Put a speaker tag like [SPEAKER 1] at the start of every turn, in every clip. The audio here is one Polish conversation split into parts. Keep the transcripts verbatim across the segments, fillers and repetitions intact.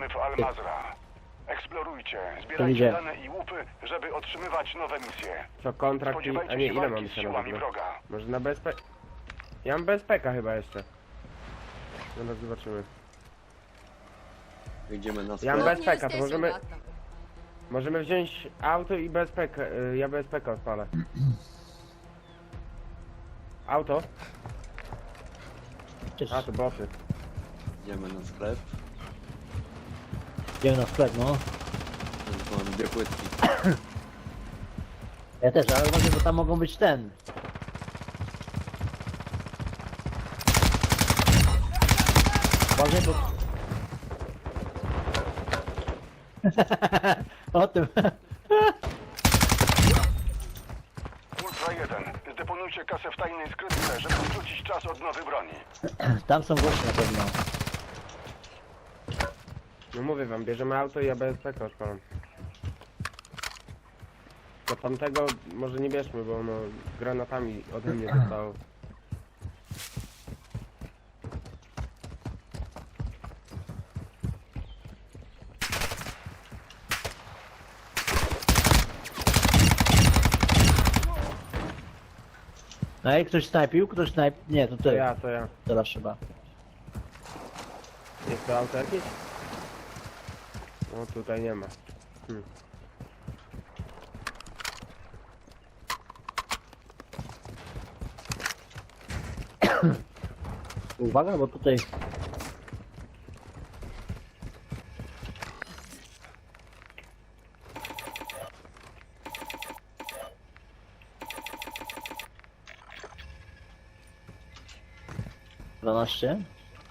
[SPEAKER 1] w Al-Mazra. Eksplorujcie,
[SPEAKER 2] To
[SPEAKER 1] zbierajcie
[SPEAKER 2] idzie.
[SPEAKER 1] dane i łupy, żeby otrzymywać nowe misje.
[SPEAKER 3] Co, kontrakt i... A
[SPEAKER 1] Spodziewajcie
[SPEAKER 3] nie,
[SPEAKER 1] się
[SPEAKER 3] ile mam
[SPEAKER 1] walki z
[SPEAKER 3] jeszcze na
[SPEAKER 1] siłami
[SPEAKER 3] ogóle?
[SPEAKER 1] wroga.
[SPEAKER 3] Może na B S P... Ja mam B S P K chyba jeszcze. Zaraz zobaczymy.
[SPEAKER 4] Idziemy na
[SPEAKER 3] Ja mam
[SPEAKER 4] sklep.
[SPEAKER 3] B S P K, to możemy... Możemy wziąć auto i B S P K. y, Ja B S P K odpalę. Auto?
[SPEAKER 2] Cześć.
[SPEAKER 3] A, to boty.
[SPEAKER 4] Idziemy na sklep.
[SPEAKER 2] Idziemy na sklep, no.
[SPEAKER 4] Tylko mam dwie płytki.
[SPEAKER 2] Ja też, ale uważaj, bo tam mogą być ten. Uważaj, bo... O tym.
[SPEAKER 1] Ultra jeden. Zdeponujcie kasę w tajnej skrytce, żeby skrócić czas odnowy broni.
[SPEAKER 2] Tam są goście na pewno.
[SPEAKER 3] No mówię wam, bierzemy auto i ja B S P K odpalam. Do tamtego może nie bierzmy, bo ono granatami ode mnie zostało.
[SPEAKER 2] Ej, ktoś snajpił? Ktoś snajp... Nie, to
[SPEAKER 3] To
[SPEAKER 2] ty.
[SPEAKER 3] ja, to ja.
[SPEAKER 2] Teraz trzeba.
[SPEAKER 3] Jest to auto jakieś? No tutaj nie ma. Hmm.
[SPEAKER 2] Uwaga, bo tutaj... dwanaście?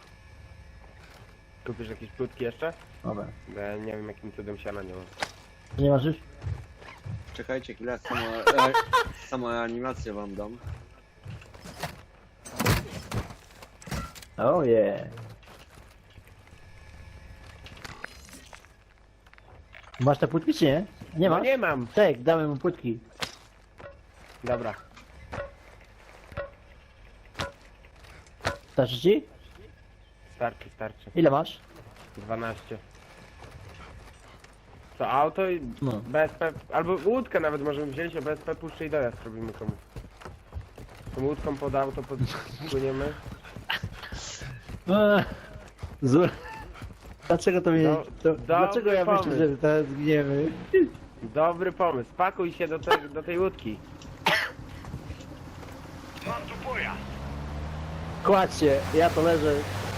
[SPEAKER 3] Kupisz jakieś płytki jeszcze?
[SPEAKER 2] Dobra.
[SPEAKER 3] Bo ja nie wiem jakim cudem siana nie mam.
[SPEAKER 2] To nie masz już?
[SPEAKER 4] Czekajcie chwilę, samo, e, samą animację wam dam.
[SPEAKER 2] Oh yeah. Masz te płytki czy nie? Nie
[SPEAKER 3] No
[SPEAKER 2] masz?
[SPEAKER 3] nie mam!
[SPEAKER 2] Tak, damy mu płytki.
[SPEAKER 3] Dobra.
[SPEAKER 2] Starczy ci?
[SPEAKER 3] Starczy, starczy.
[SPEAKER 2] Ile masz?
[SPEAKER 3] dwanaście. To auto i
[SPEAKER 2] No.
[SPEAKER 3] B S P, albo łódkę nawet możemy wziąć, a B S P puszczy i dojazd robimy komuś. Tą łódką pod auto podpłyniemy.
[SPEAKER 2] Eee, Zły. Dlaczego to mnie...
[SPEAKER 3] Do-
[SPEAKER 2] To,
[SPEAKER 3] dobry
[SPEAKER 2] dlaczego ja myślę,
[SPEAKER 3] pomysł.
[SPEAKER 2] że teraz zginiemy?
[SPEAKER 3] Dobry pomysł, pakuj się do, te, do tej łódki.
[SPEAKER 1] Mam tu pojazd.
[SPEAKER 2] Kładź się, ja to leżę.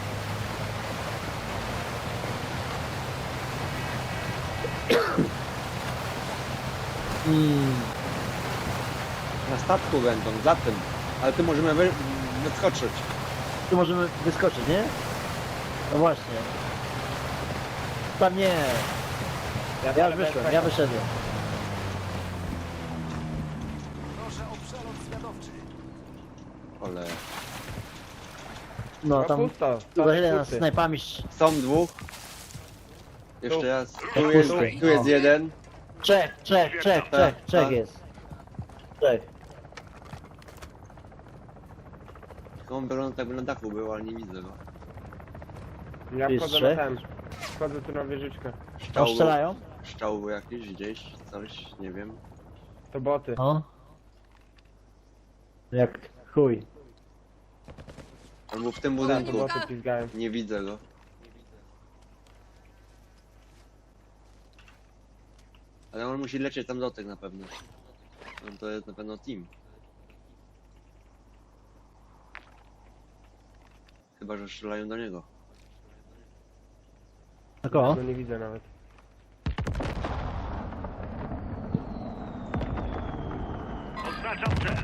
[SPEAKER 2] Mm,
[SPEAKER 4] Na statku będą, za tym. Ale ty możemy wy, wyskoczyć.
[SPEAKER 2] tu możemy wyskoczyć, nie? No właśnie. Tam nie. Ja
[SPEAKER 3] dalej
[SPEAKER 2] już
[SPEAKER 3] B S
[SPEAKER 2] wyszłem,
[SPEAKER 3] P.
[SPEAKER 2] ja wyszedłem.
[SPEAKER 4] Ale
[SPEAKER 2] No
[SPEAKER 3] No
[SPEAKER 2] tam...
[SPEAKER 3] pusto.
[SPEAKER 2] Tu za chwilę nas
[SPEAKER 3] pusty.
[SPEAKER 2] snajpami... sz-
[SPEAKER 4] są dwóch. Jeszcze
[SPEAKER 3] Tu.
[SPEAKER 4] raz.
[SPEAKER 2] To
[SPEAKER 4] Tu jest,
[SPEAKER 2] pusty.
[SPEAKER 4] tu jest
[SPEAKER 2] O.
[SPEAKER 4] jeden.
[SPEAKER 2] Trzech, trzech, trzech,
[SPEAKER 4] Tak,
[SPEAKER 2] trzech, trzech
[SPEAKER 4] tak.
[SPEAKER 2] jest. Trzech.
[SPEAKER 4] Tylko on wygląda tak by na dachu był, ale nie widzę go.
[SPEAKER 3] Ja
[SPEAKER 2] Jest
[SPEAKER 3] wchodzę
[SPEAKER 2] trzech?
[SPEAKER 3] na ten. Wchodzę tu na wieżyczkę.
[SPEAKER 2] Tam strzelają?
[SPEAKER 4] Szczał był jakiś gdzieś, coś, nie wiem.
[SPEAKER 3] To boty.
[SPEAKER 2] O. Jak chuj.
[SPEAKER 4] Albo w tym
[SPEAKER 3] Tak, to
[SPEAKER 4] budynku.
[SPEAKER 3] boty pizgają.
[SPEAKER 4] Nie widzę go. Ale on musi lecieć tam do tych na pewno. No to jest na pewno team. Chyba, że strzelają do niego.
[SPEAKER 2] Na kogo?
[SPEAKER 3] Go nie widzę nawet.
[SPEAKER 1] Oznaczam cel.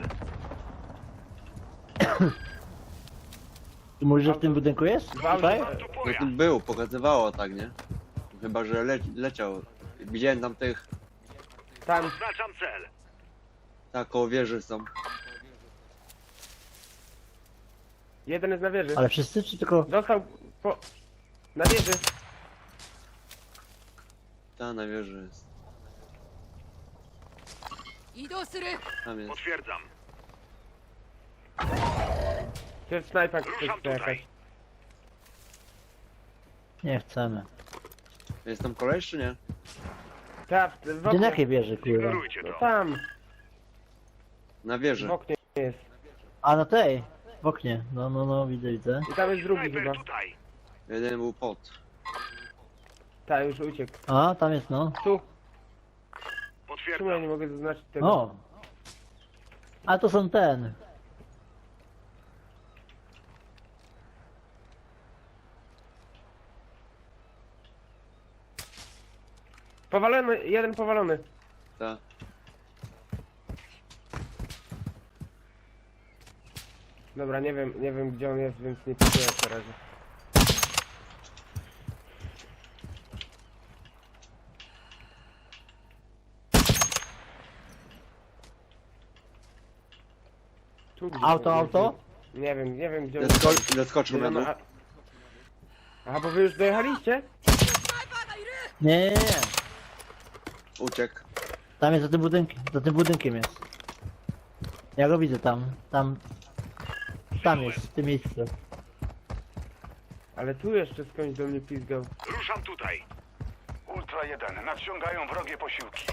[SPEAKER 2] Ty mówisz, że w tym budynku jest? Tutaj?
[SPEAKER 1] Mam tu
[SPEAKER 4] No
[SPEAKER 1] pojazd.
[SPEAKER 4] tu był, pokazywało tak, nie? Chyba, że le leciał. Widziałem tam tych,
[SPEAKER 3] Tam,
[SPEAKER 1] Oznaczam cel.
[SPEAKER 4] tak koło wieży są.
[SPEAKER 3] jeden jest na wieży.
[SPEAKER 2] Ale wszyscy czy tylko...
[SPEAKER 3] Dostał po... Na wieży.
[SPEAKER 4] Ta na wieży jest.
[SPEAKER 5] 移動する
[SPEAKER 4] Tam jest.
[SPEAKER 1] Potwierdzam.
[SPEAKER 3] To jest snajpa,
[SPEAKER 1] Ruszam
[SPEAKER 3] to jakaś.
[SPEAKER 1] tutaj.
[SPEAKER 2] Nie chcemy.
[SPEAKER 4] Jest tam koleś czy nie?
[SPEAKER 3] Tak, w, w
[SPEAKER 2] Gdzie
[SPEAKER 3] oknie.
[SPEAKER 2] na jakiej wieży, kurwa?
[SPEAKER 1] Ignorujcie
[SPEAKER 3] No
[SPEAKER 1] to.
[SPEAKER 3] tam,
[SPEAKER 4] Na
[SPEAKER 3] w
[SPEAKER 4] wieży.
[SPEAKER 3] oknie jest.
[SPEAKER 2] A na tej, w oknie. No, no, no, widzę, widzę.
[SPEAKER 3] I tam jest drugi
[SPEAKER 1] Snajper
[SPEAKER 3] chyba.
[SPEAKER 1] tutaj.
[SPEAKER 4] Jeden był pot.
[SPEAKER 3] Tak, już uciekł.
[SPEAKER 2] A, tam jest, no.
[SPEAKER 3] Tu, czemu ja
[SPEAKER 1] Potwierdzam.
[SPEAKER 3] nie mogę zaznaczyć tego?
[SPEAKER 2] O! A to są ten.
[SPEAKER 3] Powalony, jeden powalony.
[SPEAKER 4] Ta.
[SPEAKER 3] Dobra, nie wiem, nie wiem gdzie on jest, więc nie pikuję na razie. Tu gdzieś
[SPEAKER 2] Auto,
[SPEAKER 3] jest.
[SPEAKER 2] auto?
[SPEAKER 3] Nie wiem, nie wiem gdzie on
[SPEAKER 4] Zesko
[SPEAKER 3] jest.
[SPEAKER 4] zeskoczył na dół.
[SPEAKER 3] a- Aha, bo wy już dojechaliście?
[SPEAKER 2] Nie, nie, nie.
[SPEAKER 4] Uciekł.
[SPEAKER 2] Tam jest za tym budynkiem, za tym budynkiem jest. Ja go widzę tam, tam. Tam jest, w tym miejscu.
[SPEAKER 3] Ale tu jeszcze skądś do mnie pizgał.
[SPEAKER 1] Ruszam tutaj. Ultra jeden. Nadciągają wrogie posiłki.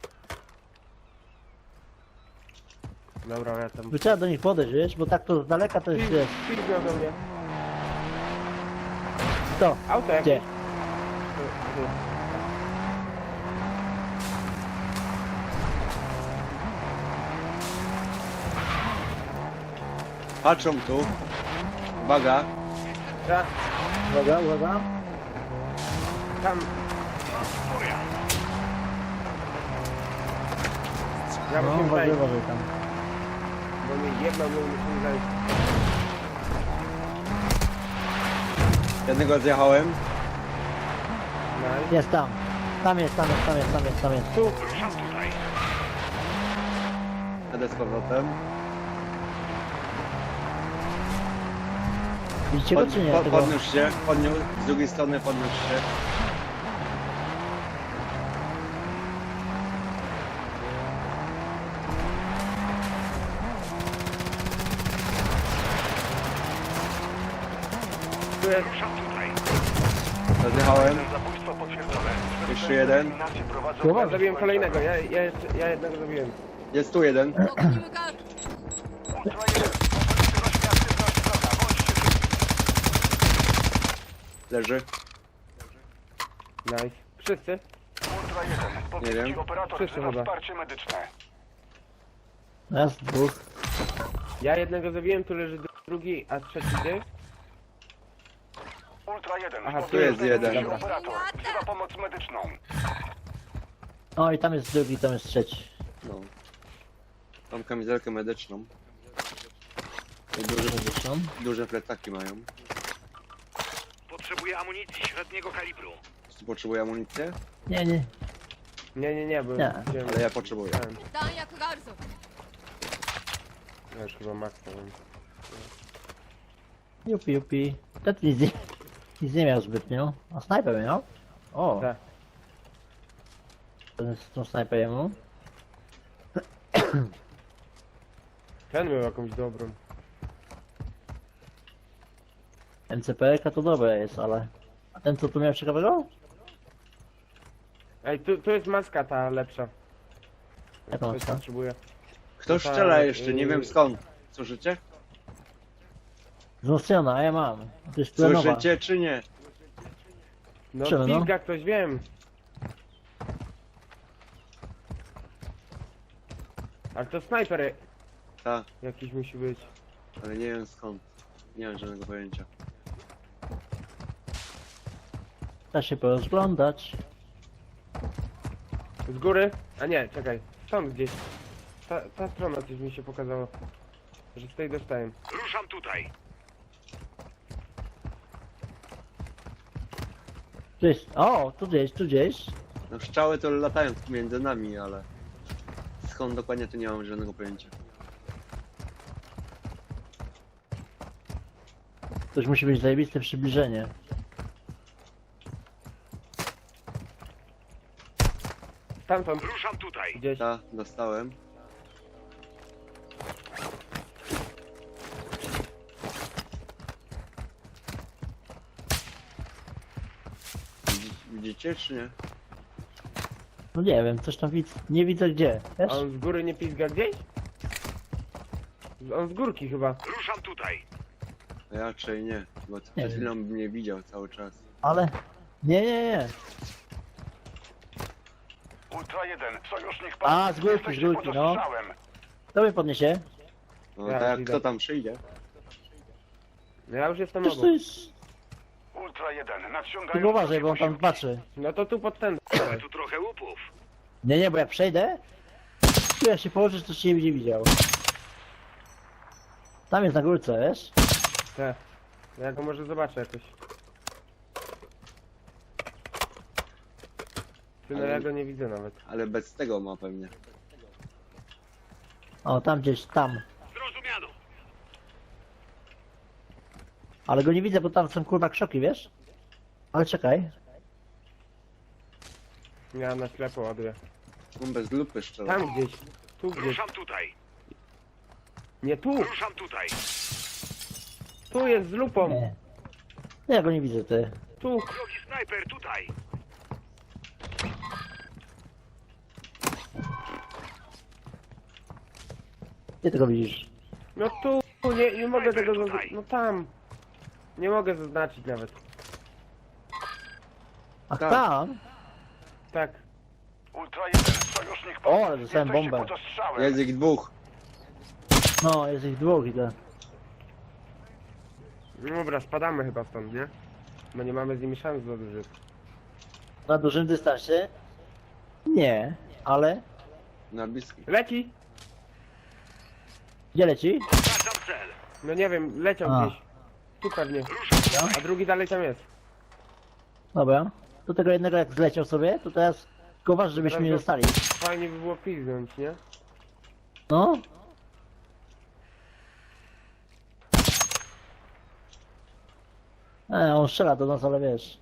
[SPEAKER 3] Dobra, ja tam...
[SPEAKER 2] By trzeba do nich podejść, wiesz, bo tak to z daleka to jest, wiesz.
[SPEAKER 3] Pizgał do mnie.
[SPEAKER 2] To,
[SPEAKER 3] Auto jakieś.
[SPEAKER 2] gdzie?
[SPEAKER 3] Tu, tu.
[SPEAKER 4] Patrzą tu. Uwaga.
[SPEAKER 3] Ta,
[SPEAKER 2] Uwaga, uwaga.
[SPEAKER 3] tam. Ja
[SPEAKER 2] No,
[SPEAKER 3] musimy
[SPEAKER 2] uważaj,
[SPEAKER 3] zajść,
[SPEAKER 2] uważaj tam.
[SPEAKER 3] bo mi jedno my musimy zajść.
[SPEAKER 4] Jednego zjechałem.
[SPEAKER 3] Nice.
[SPEAKER 2] Jest tam. Tam jest, tam jest, tam jest, tam jest, tam jest.
[SPEAKER 3] Tu,
[SPEAKER 1] Ruszam tutaj.
[SPEAKER 4] Jadę z powrotem.
[SPEAKER 2] Widzicie go
[SPEAKER 4] Pod,
[SPEAKER 2] czy nie?
[SPEAKER 4] po,
[SPEAKER 2] Tego?
[SPEAKER 4] podniósł się. Podniósł. Z drugiej strony podniósł się.
[SPEAKER 3] tu jest.
[SPEAKER 1] Ruszam tutaj.
[SPEAKER 4] Rozjechałem.
[SPEAKER 1] Zabójstwo potwierdzone.
[SPEAKER 4] Jeszcze jeden.
[SPEAKER 1] Eliminację prowadzą-
[SPEAKER 2] Dobra,
[SPEAKER 3] Ja zabiłem kolejnego, ja, ja, jeszcze, ja jednego zabiłem.
[SPEAKER 4] Jest tu jeden.
[SPEAKER 1] Ultra jeden. Rozpoczęcie aktywność wroga. Bądźcie
[SPEAKER 4] Leży.
[SPEAKER 3] Nice. Wszyscy?
[SPEAKER 1] Ultra jeden. Podbici
[SPEAKER 4] wiem.
[SPEAKER 1] operator
[SPEAKER 3] Wszyscy
[SPEAKER 1] wzywa
[SPEAKER 3] chyba.
[SPEAKER 1] wsparcie medyczne.
[SPEAKER 2] Raz, dwóch.
[SPEAKER 3] Ja jednego zabiłem, tu leży drugi, a trzeci gdzie?
[SPEAKER 1] Ultra jeden.
[SPEAKER 3] Aha, tu
[SPEAKER 1] Podbici
[SPEAKER 4] jest jeden.
[SPEAKER 3] Dobra.
[SPEAKER 1] operator wzywa pomoc medyczną.
[SPEAKER 2] O i tam jest drugi, tam jest trzeci.
[SPEAKER 4] No. Mam kamizelkę medyczną. I duże,
[SPEAKER 2] Zresztą.
[SPEAKER 4] duże plecaki mają.
[SPEAKER 1] Potrzebuję amunicji średniego kalibru.
[SPEAKER 4] Czy potrzebuję amunicję?
[SPEAKER 2] Nie, nie.
[SPEAKER 3] Nie, nie, nie, bo...
[SPEAKER 2] Nie.
[SPEAKER 3] wziąłem-
[SPEAKER 4] Ale ja potrzebuję.
[SPEAKER 3] Ten,
[SPEAKER 5] 弾薬があるぞ
[SPEAKER 3] ja już chyba max mam.
[SPEAKER 2] Jupi, jupi. Ten nic nie, nic nie miał zbytnio. A snajper miał? O.
[SPEAKER 3] Tak.
[SPEAKER 2] Ten z tą snajper jemu.
[SPEAKER 3] Ten miał jakąś dobrą.
[SPEAKER 2] M C P R to dobre jest, ale... A ten co tu miał ciekawego?
[SPEAKER 3] Ej, tu, tu jest maska ta lepsza.
[SPEAKER 2] Jaka
[SPEAKER 3] Ktoś
[SPEAKER 2] maska?
[SPEAKER 3] potrzebuje.
[SPEAKER 4] Kto
[SPEAKER 3] Ta,
[SPEAKER 4] strzela jeszcze? Nie
[SPEAKER 3] y-
[SPEAKER 4] wiem skąd. Słyszycie?
[SPEAKER 2] Wzmocniona, a ja mam. To jest plenowa.
[SPEAKER 4] Słyszycie czy nie?
[SPEAKER 3] No
[SPEAKER 2] Czemu, no?
[SPEAKER 3] pizga ktoś, wiem. Ale to snajper
[SPEAKER 4] Tak,
[SPEAKER 3] jakiś musi być.
[SPEAKER 4] ale nie wiem skąd. Nie mam żadnego pojęcia.
[SPEAKER 2] Da się porozglądać.
[SPEAKER 3] Z góry? A nie, czekaj. Stąd gdzieś. Ta, ta strona coś mi się pokazało. Że z tej dostałem.
[SPEAKER 1] Ruszam tutaj.
[SPEAKER 2] Tu jest... O, tu gdzieś, tu gdzieś.
[SPEAKER 4] No strzały to latają między nami, ale skąd dokładnie to nie mam żadnego pojęcia.
[SPEAKER 2] Ktoś musi być zajebiste przybliżenie.
[SPEAKER 3] Stamtąd
[SPEAKER 1] Ruszam tutaj.
[SPEAKER 3] gdzieś.
[SPEAKER 4] Ta, dostałem. Widzi- Widzicie widzicie, czy nie?
[SPEAKER 2] No nie wiem, coś tam widzę. Nie widzę gdzie, wiesz?
[SPEAKER 3] A on z góry nie pizga gdzieś? On z górki chyba.
[SPEAKER 1] Ruszam tutaj.
[SPEAKER 4] Raczej nie, bo
[SPEAKER 2] Nie
[SPEAKER 4] przed
[SPEAKER 2] wiem.
[SPEAKER 4] chwilą bym nie widział cały czas.
[SPEAKER 2] Ale... Nie, nie, nie.
[SPEAKER 1] Ultra jeden, sojusznik
[SPEAKER 2] A, z górki,
[SPEAKER 1] Jesteście
[SPEAKER 2] z górki,
[SPEAKER 1] pod
[SPEAKER 2] no.
[SPEAKER 1] ostrzałem.
[SPEAKER 2] Kto mnie podniesie?
[SPEAKER 4] No
[SPEAKER 3] Ja
[SPEAKER 4] tak jak
[SPEAKER 3] idę.
[SPEAKER 4] kto tam przyjdzie?
[SPEAKER 3] No ja już jestem
[SPEAKER 2] Przecież to
[SPEAKER 3] obok.
[SPEAKER 2] jest...
[SPEAKER 1] Ultra jeden, nadciągają...
[SPEAKER 2] Tylko uważaj, bo on tam
[SPEAKER 1] posiłki.
[SPEAKER 2] patrzy.
[SPEAKER 3] No to tu pod ten.
[SPEAKER 1] Mamy tu trochę łupów.
[SPEAKER 2] Nie, nie, bo jak przejdę... Tu jak się położysz, to cię nie będzie widział. Tam jest na górce, wiesz?
[SPEAKER 3] Te. Ja go może zobaczę jakoś. Ty, no
[SPEAKER 4] Ale-
[SPEAKER 3] ja go nie widzę nawet.
[SPEAKER 4] Ale bez tego ma pewnie.
[SPEAKER 2] O, tam gdzieś, tam.
[SPEAKER 1] Zrozumiano.
[SPEAKER 2] Ale go nie widzę, bo tam są kurwa krzoki, wiesz? Ale czekaj.
[SPEAKER 3] Ja na ślepo ładuję.
[SPEAKER 4] On bez lupy szczela.
[SPEAKER 3] Tam gdzieś. Tu gdzieś.
[SPEAKER 1] Ruszam tutaj.
[SPEAKER 3] Nie tu!
[SPEAKER 1] Ruszam tutaj.
[SPEAKER 3] Tu jest z lupą!
[SPEAKER 2] Nie. Ja go nie widzę, ty.
[SPEAKER 3] Tu!
[SPEAKER 1] Drogi snajper tutaj.
[SPEAKER 2] Gdzie ty go widzisz?
[SPEAKER 3] No tu! Nie, nie mogę tego
[SPEAKER 1] Tutaj.
[SPEAKER 3] zaznaczyć. No tam! Nie mogę zaznaczyć nawet.
[SPEAKER 2] Ach,
[SPEAKER 4] Tak.
[SPEAKER 2] tam?
[SPEAKER 3] Tak.
[SPEAKER 1] Ultra jeden, sojusznik
[SPEAKER 2] O, ale dostałem
[SPEAKER 1] Jesteście
[SPEAKER 2] bombę.
[SPEAKER 1] pod ostrzałem.
[SPEAKER 4] Jest ich dwóch.
[SPEAKER 2] No, jest ich dwóch i to.
[SPEAKER 3] No dobra, spadamy chyba stąd, nie? Bo nie mamy z nimi szans za dużych.
[SPEAKER 2] Na dużym dystansie? Nie, ale...
[SPEAKER 4] Na bliski.
[SPEAKER 3] Leci!
[SPEAKER 2] Gdzie leci?
[SPEAKER 1] Oznaczam cel.
[SPEAKER 3] No nie wiem, leciał
[SPEAKER 2] A.
[SPEAKER 3] gdzieś. Tu pewnie.
[SPEAKER 1] Ruszam.
[SPEAKER 3] A drugi dalej tam jest.
[SPEAKER 2] Dobra. Do tego jednego jak zleciał sobie, to teraz... Tylko uważaj, żebyśmy nie dostali.
[SPEAKER 3] Fajnie by było piznąć, nie?
[SPEAKER 2] No. E, on strzela do nas, ale wiesz.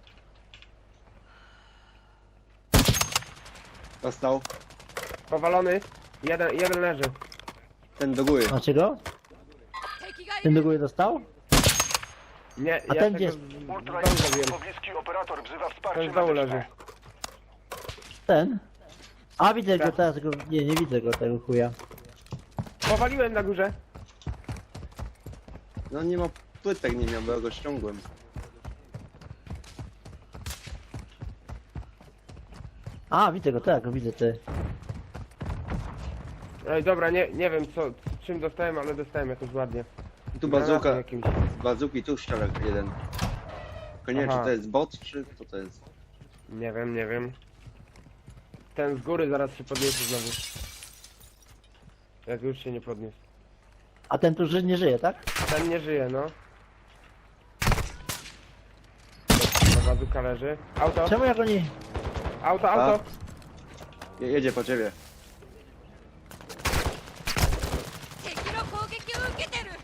[SPEAKER 4] Dostał.
[SPEAKER 3] Powalony. Jeden, jeden leży.
[SPEAKER 4] Ten do góry.
[SPEAKER 2] Macie go? Ten do góry dostał?
[SPEAKER 3] Nie,
[SPEAKER 2] A
[SPEAKER 3] ja
[SPEAKER 2] ten
[SPEAKER 3] tego
[SPEAKER 2] gdzie
[SPEAKER 3] z,
[SPEAKER 2] jest?
[SPEAKER 3] z
[SPEAKER 1] Ultra
[SPEAKER 3] dołu
[SPEAKER 1] jeden,
[SPEAKER 3] zabiłem.
[SPEAKER 1] pobliski operator wzywa wsparcie
[SPEAKER 3] Ten z dołu
[SPEAKER 1] medyczne.
[SPEAKER 3] leży.
[SPEAKER 2] Ten? A widzę go
[SPEAKER 3] Tak.
[SPEAKER 2] teraz, go... nie, nie widzę go tego chuja.
[SPEAKER 3] Powaliłem na górze.
[SPEAKER 4] No nie ma płytek, nie miał, bo ja go ściągłem.
[SPEAKER 2] A, widzę go, tak, go widzę, ty.
[SPEAKER 3] Ej, dobra, nie, nie wiem co, czym dostałem, ale dostałem jakoś ładnie.
[SPEAKER 4] Tu
[SPEAKER 3] Granatem
[SPEAKER 4] bazuka.
[SPEAKER 3] jakimś.
[SPEAKER 4] Z bazuki tu strzela jeden. Tylko nie wiem,
[SPEAKER 3] Aha.
[SPEAKER 4] czy to jest bot, czy co to jest.
[SPEAKER 3] Nie wiem, nie wiem. Ten z góry zaraz się podniesie znowu. Jak już się nie podniósł.
[SPEAKER 2] A ten tu ży- nie żyje, tak?
[SPEAKER 3] Ten nie żyje, no. Ta bazuka leży. Auto,
[SPEAKER 2] Czemu jak oni...
[SPEAKER 3] auto, auto!
[SPEAKER 4] Je- Jedzie po ciebie.
[SPEAKER 5] 敵の攻撃を受けてる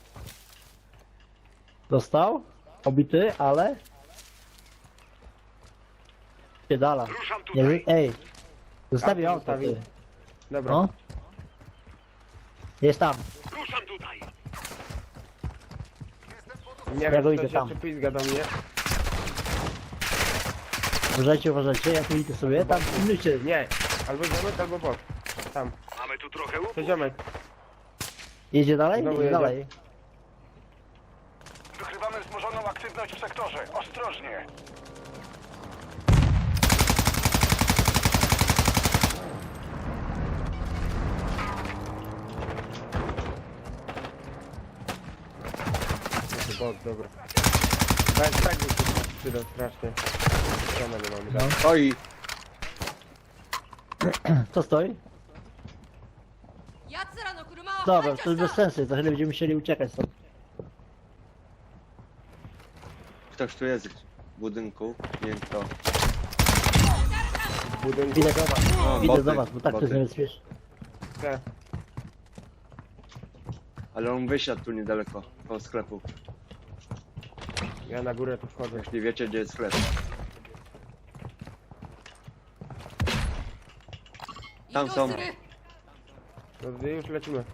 [SPEAKER 2] Dostał? Obity, ale... Piedala.
[SPEAKER 1] Ruszam
[SPEAKER 2] Nie,
[SPEAKER 1] tutaj.
[SPEAKER 2] wy- ej. Zostawił
[SPEAKER 3] Auto
[SPEAKER 2] auto, ty.
[SPEAKER 3] zostawił. Dobra.
[SPEAKER 2] No. Jest tam.
[SPEAKER 1] Ruszam tutaj.
[SPEAKER 3] Nie
[SPEAKER 2] Ja
[SPEAKER 3] wiem,
[SPEAKER 2] go
[SPEAKER 3] czy
[SPEAKER 2] idę
[SPEAKER 3] ktoś
[SPEAKER 2] tam.
[SPEAKER 3] jeszcze pizga do mnie.
[SPEAKER 2] Uważajcie, uważajcie, ja tu idę sobie, tam pilnujcie.
[SPEAKER 3] Nie, albo ziomek, albo bot. Tam,
[SPEAKER 1] Mamy tu trochę łupów.
[SPEAKER 3] to ziomek.
[SPEAKER 2] Jedzie dalej?
[SPEAKER 3] Znowu
[SPEAKER 2] Jedzie
[SPEAKER 3] jedzie.
[SPEAKER 2] dalej.
[SPEAKER 1] Wykrywamy wzmożoną aktywność w sektorze. Ostrożnie.
[SPEAKER 3] To bot, dobra. Bez tego się przydał strasznie. Ściana nie mamy, tak?
[SPEAKER 2] No.
[SPEAKER 4] Oj,
[SPEAKER 2] Co stoi?
[SPEAKER 5] 奴らの車は
[SPEAKER 2] Dobra,
[SPEAKER 5] 排
[SPEAKER 2] to
[SPEAKER 5] 除
[SPEAKER 2] jest
[SPEAKER 5] し
[SPEAKER 2] bez
[SPEAKER 5] た
[SPEAKER 2] sensu, za chwilę będziemy musieli uciekać stąd.
[SPEAKER 4] ktoś tu jest w budynku. Nie wiem kto.
[SPEAKER 3] W budynku.
[SPEAKER 2] Idę do was,
[SPEAKER 4] O,
[SPEAKER 2] idę
[SPEAKER 4] boty,
[SPEAKER 2] do was, bo tak to
[SPEAKER 4] boty.
[SPEAKER 2] jest niebezpieczne.
[SPEAKER 3] Te.
[SPEAKER 4] Ale on wysiadł tu niedaleko, koło sklepu.
[SPEAKER 3] Ja na górę tu wchodzę.
[SPEAKER 4] Jeśli wiecie, gdzie jest sklep.
[SPEAKER 5] 移
[SPEAKER 4] Tam
[SPEAKER 5] 動
[SPEAKER 4] są.
[SPEAKER 5] する
[SPEAKER 3] To już lecimy.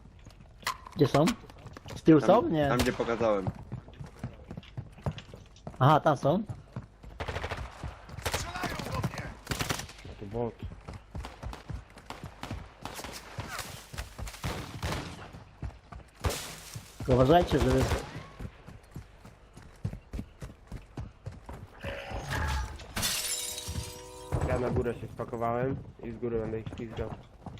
[SPEAKER 2] Gdzie są? Z tyłu są?
[SPEAKER 4] Tam,
[SPEAKER 2] Nie.
[SPEAKER 4] tam gdzie pokazałem.
[SPEAKER 2] Aha, tam są.
[SPEAKER 3] To bot.
[SPEAKER 2] Tylko uważajcie, żeby...
[SPEAKER 3] Ja na górę się spakowałem i z góry będę ich ślizgał.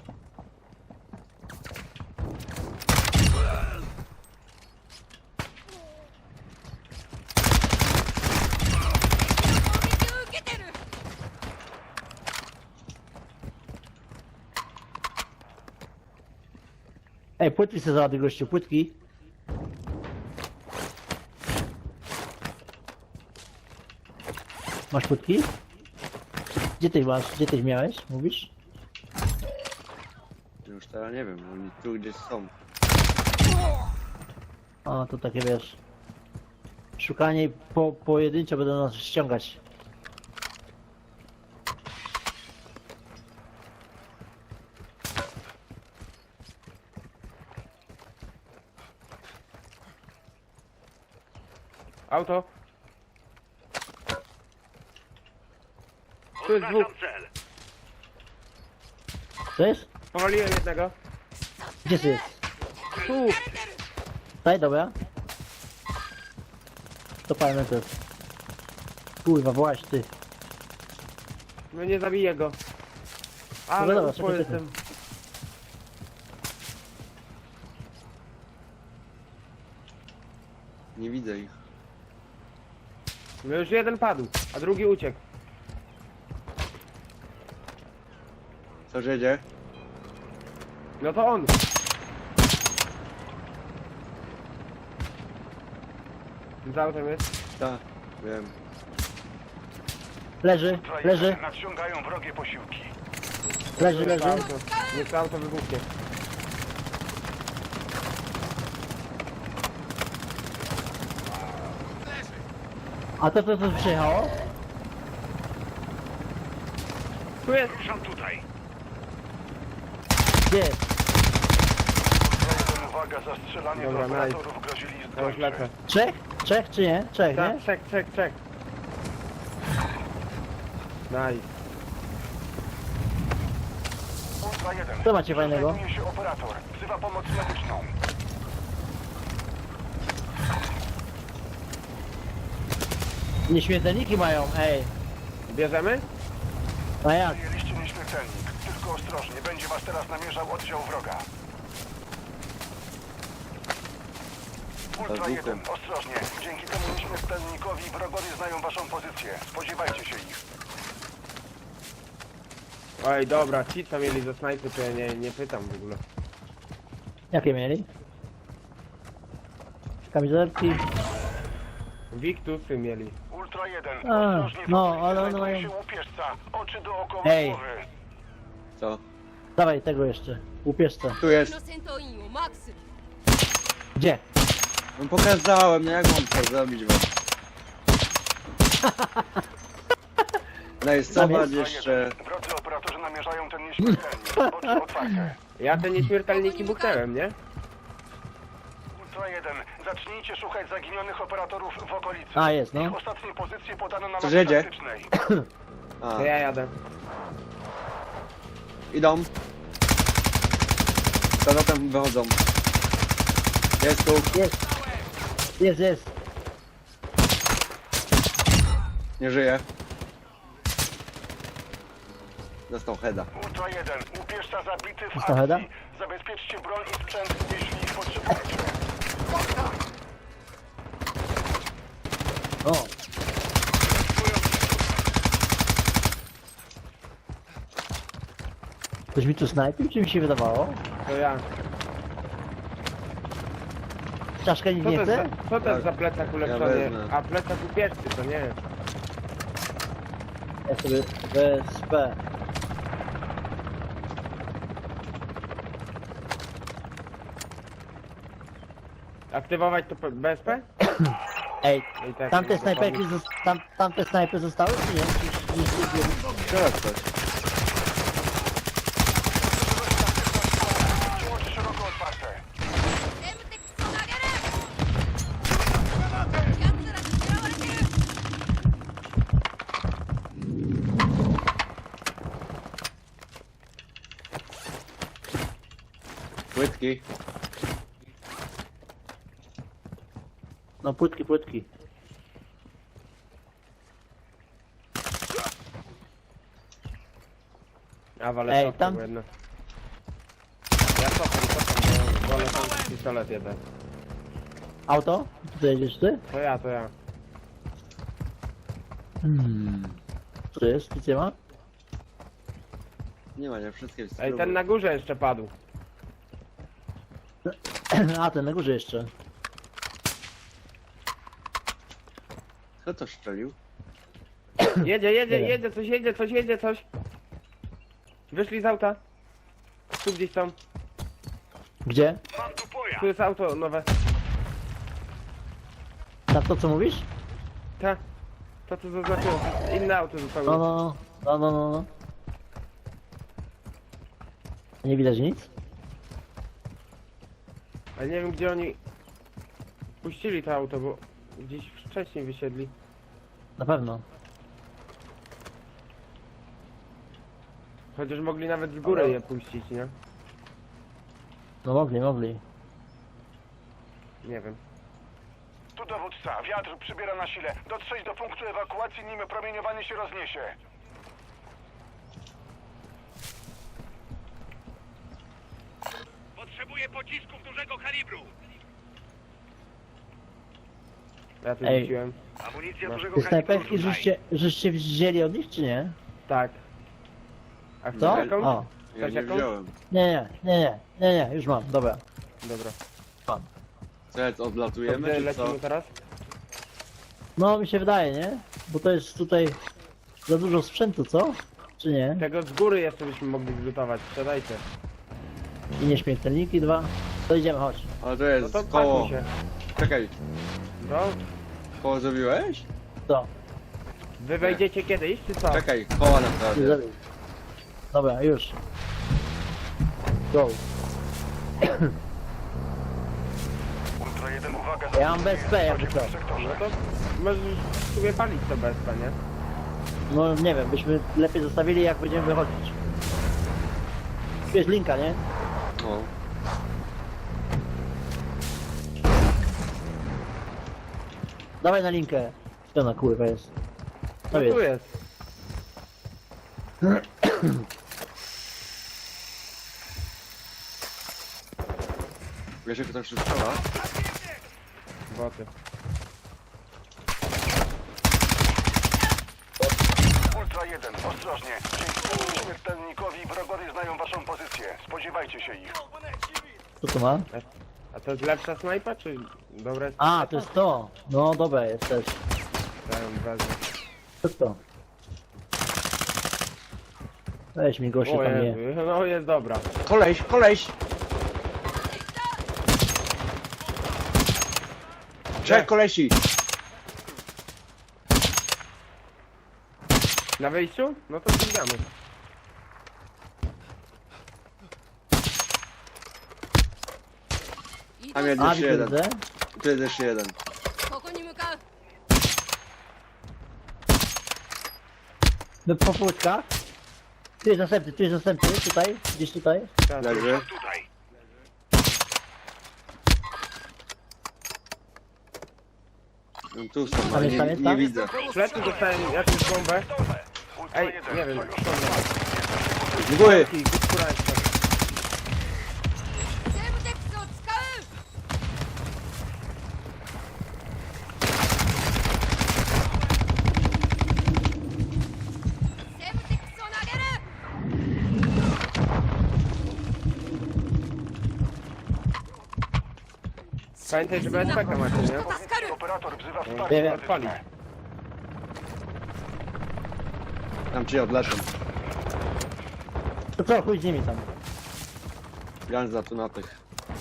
[SPEAKER 2] Ej, płytki sobie załaduj, gościu, płytki. Masz płytki? Gdzie ty masz? Gdzie ty miałeś? Mówisz?
[SPEAKER 4] Już teraz nie wiem, oni tu gdzieś są.
[SPEAKER 2] O, to takie wiesz. Szukanie i po, pojedynczo będą nas ściągać.
[SPEAKER 3] Auto. Tu jest dwóch.
[SPEAKER 2] Co jest?
[SPEAKER 3] Powaliłem jednego.
[SPEAKER 2] Gdzie ty jest?
[SPEAKER 3] Tu.
[SPEAKER 2] Daj, dobra. To palmy to jest. Kurwa, właś ty.
[SPEAKER 3] No nie zabiję go.
[SPEAKER 2] Dobra,
[SPEAKER 3] Ale
[SPEAKER 2] dobra,
[SPEAKER 3] upo
[SPEAKER 2] czekaj,
[SPEAKER 3] jestem.
[SPEAKER 4] Nie widzę ich.
[SPEAKER 3] No już jeden padł, a drugi uciekł.
[SPEAKER 4] Co się dzieje?
[SPEAKER 3] No to on. Za autem jest.
[SPEAKER 4] Tak, wiem.
[SPEAKER 2] Leży, leży,
[SPEAKER 1] Nadciągają wrogie posiłki.
[SPEAKER 2] leży,
[SPEAKER 3] Niech
[SPEAKER 2] leży.
[SPEAKER 3] to auto, niech to auto wybuchnie.
[SPEAKER 2] A to co tu przyjechało?
[SPEAKER 3] Tu jest.
[SPEAKER 1] Ruszam tutaj.
[SPEAKER 2] Gdzie jest?
[SPEAKER 1] Uwaga, zastrzelanie
[SPEAKER 3] Dobra,
[SPEAKER 1] do
[SPEAKER 3] nice.
[SPEAKER 1] operatorów grozili
[SPEAKER 3] Ja już lecę.
[SPEAKER 1] zgończe.
[SPEAKER 2] Trzech? Trzech czy nie? Trzech, nie?
[SPEAKER 3] Tak, czek, czek, czek. Nice.
[SPEAKER 1] Ultra jeden.
[SPEAKER 2] Co macie fajnego?
[SPEAKER 1] Znajduje się operator. Wzywa pomoc medyczną.
[SPEAKER 2] Nieśmiertelniki mają, ej.
[SPEAKER 3] Bierzemy?
[SPEAKER 2] A jak?
[SPEAKER 1] Przyjęliście nieśmiertelnik. Tylko ostrożnie. Będzie was teraz namierzał oddział wroga. Ultra
[SPEAKER 4] Bazooką.
[SPEAKER 1] jeden. Ostrożnie. Dzięki temu nieśmiertelnikowi wrogowie znają waszą pozycję. Spodziewajcie się ich.
[SPEAKER 3] Oj, dobra, ci co mieli ze snajpy, to ja nie, nie pytam w ogóle.
[SPEAKER 2] Jakie mieli? Kamizelki.
[SPEAKER 3] Wiktusy mieli.
[SPEAKER 1] Ultra jeden.
[SPEAKER 2] A,
[SPEAKER 1] Ostrożnie. w
[SPEAKER 2] no,
[SPEAKER 1] okolicy
[SPEAKER 2] ale one
[SPEAKER 1] znajduje
[SPEAKER 2] mają-
[SPEAKER 1] się łupieżca. Oczy dookoła
[SPEAKER 2] Ej.
[SPEAKER 1] głowy.
[SPEAKER 4] Co?
[SPEAKER 2] Dawaj tego jeszcze. Łupieżce.
[SPEAKER 4] Tu jest.
[SPEAKER 5] の戦闘員をマークする
[SPEAKER 2] Gdzie?
[SPEAKER 4] No pokazałem, no jak mam to zrobić wam? No i
[SPEAKER 2] Tam
[SPEAKER 4] zobacz
[SPEAKER 2] jest?
[SPEAKER 4] jeszcze.
[SPEAKER 1] Drodzy operatorzy namierzają ten nieśmiertelnik. Oczy otwarte.
[SPEAKER 3] Ja te nieśmiertelniki buchnąłem, nie?
[SPEAKER 1] Ultra jeden. Zacznijcie szukać zaginionych operatorów w okolicy.
[SPEAKER 2] A, jest, no.
[SPEAKER 1] Ich ostatnie pozycje podano na
[SPEAKER 4] Co
[SPEAKER 1] mapie
[SPEAKER 4] jedzie?
[SPEAKER 1] taktycznej.
[SPEAKER 4] A,
[SPEAKER 3] To ja jadę.
[SPEAKER 4] idą. Co tam wychodzą? Jest tu.
[SPEAKER 2] Jest. Jest, jest.
[SPEAKER 4] Nie żyje. Dostał heada.
[SPEAKER 1] Ultra jeden. Łupieżca zabity w
[SPEAKER 2] Dostał heada?
[SPEAKER 1] akcji. Zabezpieczcie broń i sprzęt, jeśli ich potrzebujecie.
[SPEAKER 2] O. Ktoś mi tu snajpił, czy mi się wydawało?
[SPEAKER 3] To ja.
[SPEAKER 2] Czaszka nikt
[SPEAKER 3] Co to
[SPEAKER 2] nie
[SPEAKER 3] jest
[SPEAKER 2] chce?
[SPEAKER 3] za, co to jest za plecak ulepszony?
[SPEAKER 4] wezmę.
[SPEAKER 3] A plecak upieszczy, to nie.
[SPEAKER 2] Ja sobie B S P.
[SPEAKER 3] Aktywować to P- B S P?
[SPEAKER 2] Ej,
[SPEAKER 3] I tak,
[SPEAKER 2] tamte
[SPEAKER 3] nie
[SPEAKER 2] snajperki,
[SPEAKER 3] dokładnie.
[SPEAKER 2] zos- tam, tamte snajpy zostały, czy nie? Czy, czy, czy, czy,
[SPEAKER 4] Teraz coś.
[SPEAKER 1] Oczy szeroko otwarte.
[SPEAKER 5] エムテックスを投げる奴らに狙われてる
[SPEAKER 4] Płytki.
[SPEAKER 2] No płytki, płytki.
[SPEAKER 3] A wale
[SPEAKER 2] Ej,
[SPEAKER 3] cofam
[SPEAKER 2] tam-
[SPEAKER 3] jedno. Ja cofam, cofam, bo wolę tam pistolet jeden.
[SPEAKER 2] Auto? Tutaj jedziesz ty?
[SPEAKER 3] To ja, to ja.
[SPEAKER 2] Hmm. Co to jest? Nic nie ma?
[SPEAKER 4] Nie ma, nie wszystkie
[SPEAKER 3] Ej,
[SPEAKER 4] spróbuj.
[SPEAKER 3] ten na górze jeszcze padł.
[SPEAKER 2] A, ten na górze jeszcze.
[SPEAKER 4] Kto to strzelił?
[SPEAKER 3] Jedzie, jedzie,
[SPEAKER 2] Nie.
[SPEAKER 3] jedzie, coś jedzie, coś jedzie, coś. Wyszli z auta. Tu gdzieś są.
[SPEAKER 2] Gdzie?
[SPEAKER 1] Mam tu pojazd.
[SPEAKER 3] Tu jest auto nowe.
[SPEAKER 2] Na to co mówisz?
[SPEAKER 3] Ta. To co zaznaczyłem. Inne auto zupełnie.
[SPEAKER 2] No, no, no, no, no, no. Nie widać nic?
[SPEAKER 3] Ale nie wiem gdzie oni puścili to auto, bo gdzieś wcześniej wysiedli.
[SPEAKER 2] Na pewno.
[SPEAKER 3] Chociaż mogli nawet z góry je puścić, nie?
[SPEAKER 2] No mogli, mogli.
[SPEAKER 3] Nie wiem.
[SPEAKER 1] Tu dowódca. Wiatr przybiera na sile. Dotrzeć do punktu ewakuacji, nim promieniowanie się rozniesie.
[SPEAKER 6] Potrzebuję pocisków dużego kalibru.
[SPEAKER 3] Ja tu
[SPEAKER 2] Ej.
[SPEAKER 3] rzuciłem.
[SPEAKER 6] Amunicja
[SPEAKER 3] No.
[SPEAKER 6] dużego
[SPEAKER 2] Te
[SPEAKER 6] kalibru
[SPEAKER 2] snajperki
[SPEAKER 6] tutaj.
[SPEAKER 2] żeście, żeście wzięli od nich, czy nie?
[SPEAKER 3] Tak. A chcesz
[SPEAKER 2] Co?
[SPEAKER 3] jakąś?
[SPEAKER 2] O.
[SPEAKER 4] Ja
[SPEAKER 3] Chcesz
[SPEAKER 4] nie
[SPEAKER 3] jakąś?
[SPEAKER 4] wziąłem.
[SPEAKER 2] Nie, nie, nie, nie, nie, nie, już mam, dobra.
[SPEAKER 3] Dobra.
[SPEAKER 4] Co, jest,
[SPEAKER 3] To
[SPEAKER 4] odlatujemy
[SPEAKER 3] gdzie
[SPEAKER 4] czy co?
[SPEAKER 3] lecimy teraz?
[SPEAKER 2] No mi się wydaje, nie? Bo to jest tutaj za dużo sprzętu, co? Czy nie?
[SPEAKER 3] Tego z góry jeszcze byśmy mogli zlutować. Sprzedajcie.
[SPEAKER 2] I nieśmiertelniki dwa. To idziemy, chodź.
[SPEAKER 4] Ale to
[SPEAKER 3] No
[SPEAKER 4] jest
[SPEAKER 3] to
[SPEAKER 4] koło.
[SPEAKER 3] pakuj się.
[SPEAKER 4] Czekaj,
[SPEAKER 3] No.
[SPEAKER 4] koło zrobiłeś?
[SPEAKER 2] Co?
[SPEAKER 3] Wy wejdziecie kiedyś, czy co?
[SPEAKER 4] Czekaj, koła
[SPEAKER 2] Nie
[SPEAKER 4] naprawdę.
[SPEAKER 2] zrobił. Dobra, już. Go.
[SPEAKER 1] Ultra jeden, uwaga.
[SPEAKER 2] Ja mam B S P, jakby co.
[SPEAKER 3] No to możesz sobie palić to bezpa, nie?
[SPEAKER 2] No nie wiem, byśmy lepiej zostawili jak będziemy wychodzić. Tu jest linka, nie?
[SPEAKER 4] No.
[SPEAKER 2] Dawaj na linkę. Co na kurwa jest?
[SPEAKER 3] No
[SPEAKER 2] To
[SPEAKER 3] tu
[SPEAKER 2] jest.
[SPEAKER 3] jest.
[SPEAKER 4] Wiesz jak to wszystko strzela?
[SPEAKER 3] Boty.
[SPEAKER 1] Ultra jeden, ostrożnie. Dzięki śmiertelnikowi wrogowie znają waszą pozycję. Spodziewajcie się ich.
[SPEAKER 2] Co tu ma?
[SPEAKER 3] A to jest lepsza snajpa, czy dobra jest?
[SPEAKER 2] A, to jest to. No dobra, jest też.
[SPEAKER 3] Ja ją wezmę.
[SPEAKER 2] Co to? Weź mi gościu
[SPEAKER 3] O
[SPEAKER 2] tam nie.
[SPEAKER 3] Jezu, no jest dobra.
[SPEAKER 4] Koleś, koleś! Trzech kolesi!
[SPEAKER 3] Na wyjściu? No to ścigamy.
[SPEAKER 4] Tam jest
[SPEAKER 2] A,
[SPEAKER 4] jeszcze
[SPEAKER 2] widzę,
[SPEAKER 4] jeden.
[SPEAKER 2] widzę.
[SPEAKER 4] Tu jest jeszcze jeden.
[SPEAKER 5] ここに向かう
[SPEAKER 2] No po płytkach. Tu jest następny, tu jest następny, tutaj, gdzieś tutaj.
[SPEAKER 3] Teraz.
[SPEAKER 4] Leży.
[SPEAKER 6] Tutaj.
[SPEAKER 4] No, tu są,
[SPEAKER 2] Tam
[SPEAKER 4] ale
[SPEAKER 2] jest,
[SPEAKER 4] nie,
[SPEAKER 2] tam jest,
[SPEAKER 4] nie
[SPEAKER 2] tam?
[SPEAKER 4] widzę.
[SPEAKER 3] W plecy dostałem jakąś bombę.
[SPEAKER 1] Ultra
[SPEAKER 3] Ej,
[SPEAKER 1] jeden,
[SPEAKER 3] nie wiem.
[SPEAKER 1] sojusznik
[SPEAKER 4] Z góry!
[SPEAKER 3] I góra jeszcze.
[SPEAKER 5] セーブテックスを使う セーブテックスを投げる
[SPEAKER 3] Pamiętaj, że B S P K macie, nie?
[SPEAKER 5] 助かる
[SPEAKER 1] Operator wzywa
[SPEAKER 2] Nie
[SPEAKER 1] wsparcie
[SPEAKER 2] wiem.
[SPEAKER 3] Odpalić.
[SPEAKER 1] medyczne.
[SPEAKER 4] Tam ci odlecą.
[SPEAKER 2] To co, chuj z nimi tam.
[SPEAKER 4] Ganza tu na tych.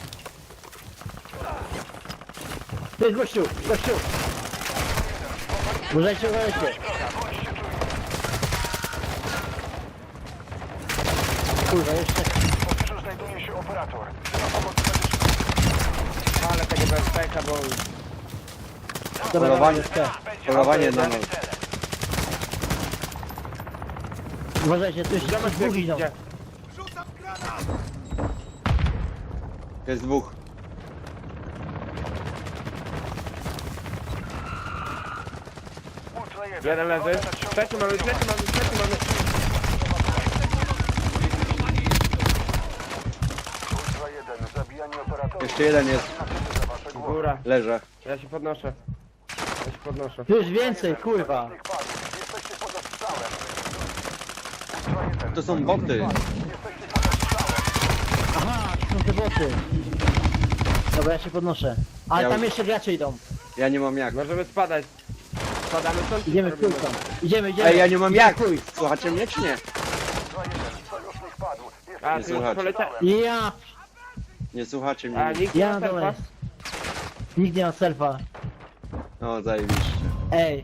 [SPEAKER 2] Tu jest gościu, gościu. Uważajcie, uważajcie. Kurwa, jeszcze.
[SPEAKER 1] W pobliżu znajduje się operator. Wzywa pomoc medyczną.
[SPEAKER 3] Ale tego B S P K, bo...
[SPEAKER 2] Dobra,
[SPEAKER 4] Polowanie,
[SPEAKER 2] dobra,
[SPEAKER 4] polowanie na nas.
[SPEAKER 2] uważajcie, tu jeszcze
[SPEAKER 3] Zobacz,
[SPEAKER 2] dwóch
[SPEAKER 3] jak
[SPEAKER 2] idą.
[SPEAKER 3] idzie.
[SPEAKER 4] Jest dwóch.
[SPEAKER 1] Ultra jeden.
[SPEAKER 3] Jeden leży.
[SPEAKER 1] Uwaga, nadciąga
[SPEAKER 3] Trzeci mamy, trzeci mamy, trzeci mamy.
[SPEAKER 1] Ultra jeden. Zabijanie operatorów.
[SPEAKER 4] Jeszcze jeden jest.
[SPEAKER 1] Za wasze głowy.
[SPEAKER 3] Góra.
[SPEAKER 4] Leżę.
[SPEAKER 3] Ja się podnoszę. Ja się podnoszę.
[SPEAKER 2] Tu jest więcej, kurwa.
[SPEAKER 1] Sojusznik padł. Jesteście pod ostrzałem. Ultra jeden.
[SPEAKER 4] To są boty.
[SPEAKER 1] Jesteście pod ostrzałem.
[SPEAKER 2] Aha, to są te boty. Dobra, ja się podnoszę. Ale
[SPEAKER 4] Ja
[SPEAKER 2] tam
[SPEAKER 4] już-
[SPEAKER 2] jeszcze gracze idą.
[SPEAKER 4] Ja nie mam jak.
[SPEAKER 3] Możemy spadać. Spadamy stąd? czy
[SPEAKER 2] Idziemy
[SPEAKER 3] co
[SPEAKER 2] w
[SPEAKER 3] robimy?
[SPEAKER 2] trójką. Idziemy, idziemy.
[SPEAKER 4] Ej, ja nie mam jak! Słuchacie mnie czy nie?
[SPEAKER 1] Ultra jeden. Sojusznik padł. Jesteście
[SPEAKER 3] A,
[SPEAKER 4] Nie
[SPEAKER 3] ty już
[SPEAKER 4] słuchacie.
[SPEAKER 3] poleciałeś.
[SPEAKER 2] Ja,
[SPEAKER 4] Nie słuchacie
[SPEAKER 3] A,
[SPEAKER 4] mnie.
[SPEAKER 3] nikt nie
[SPEAKER 2] ja
[SPEAKER 3] ma
[SPEAKER 2] na dole
[SPEAKER 3] selfa?
[SPEAKER 2] jest. Nikt nie ma selfa.
[SPEAKER 4] O, zajebiście.
[SPEAKER 2] Ej.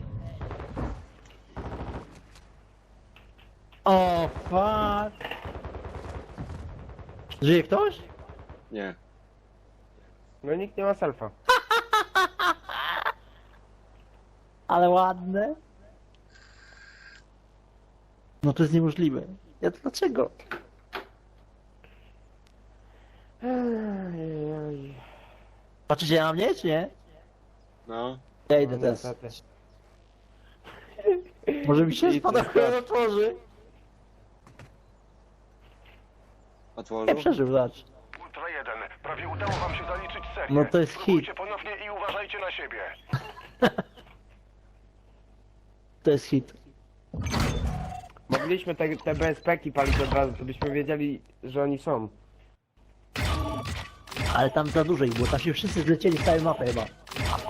[SPEAKER 2] O, fuck. Żyje ktoś?
[SPEAKER 4] Nie.
[SPEAKER 3] No nikt nie ma selfa.
[SPEAKER 2] Ale ładne. No to jest niemożliwe. Ja to dlaczego?
[SPEAKER 3] Ej,
[SPEAKER 2] Patrzycie na mnie, czy nie?
[SPEAKER 4] No.
[SPEAKER 2] Ja idę
[SPEAKER 3] no,
[SPEAKER 2] teraz.
[SPEAKER 3] niestety.
[SPEAKER 2] Może mi się
[SPEAKER 3] I
[SPEAKER 2] spada
[SPEAKER 3] co?
[SPEAKER 2] chuj otworzy.
[SPEAKER 4] Otworzył?
[SPEAKER 2] Nie przeżył, zobacz.
[SPEAKER 1] Ultra jeden. Prawie udało wam się zaliczyć serię.
[SPEAKER 2] No to jest
[SPEAKER 1] Spróbujcie
[SPEAKER 2] hit.
[SPEAKER 1] ponownie i uważajcie na siebie.
[SPEAKER 2] To jest hit.
[SPEAKER 3] Mogliśmy te, te B S P-ki palić od razu, to byśmy wiedzieli, że oni są.
[SPEAKER 2] Ale tam za dużo ich było, tam się wszyscy zlecieli z całej mapy chyba.